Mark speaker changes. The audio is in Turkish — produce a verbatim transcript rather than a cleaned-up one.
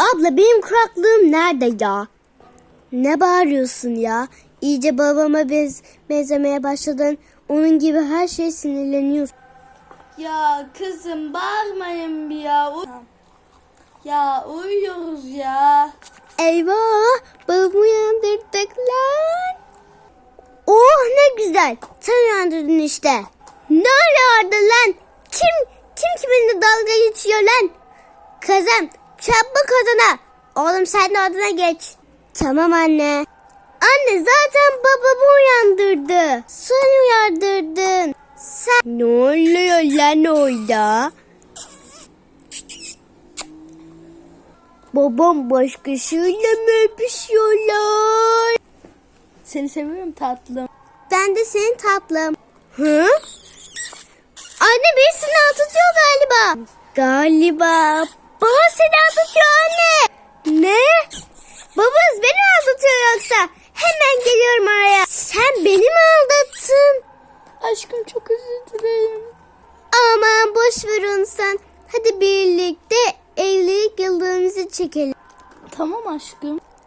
Speaker 1: Abla benim kuraklığım nerede ya? Ne bağırıyorsun ya? İyice babama bez benzemeye başladın. Onun gibi her şeye sinirleniyorsun.
Speaker 2: Ya kızım bağırmayın bir ya. U- ya uyuyoruz ya.
Speaker 1: Eyvah! Babamı uyandırdık lan. Oh ne güzel. Sen uyandırdın işte. Ne arıyordu lan? Kim, kim kiminle dalga geçiyor lan? Kızım çabuk odana. Oğlum sen de odana geç. Tamam anne. Anne zaten babamı uyandırdı. Sen uyandırdın. Sen... Ne oluyor lan orada? Babam başkasıyla mı öpüşüyorlar?
Speaker 2: Seni seviyorum tatlım.
Speaker 1: Ben de senin tatlım. Hı? Anne beni silah tutuyor galiba. Galiba. Baba seni tutuyor anne. Ne? Babanız beni mi aldatıyor yoksa? Hemen geliyorum araya. Sen beni mi aldattın?
Speaker 2: Aşkım çok özür dilerim.
Speaker 1: Aman boş ver onu sen. Hadi birlikte evlilik yıldönümümüzü çekelim.
Speaker 2: Tamam aşkım.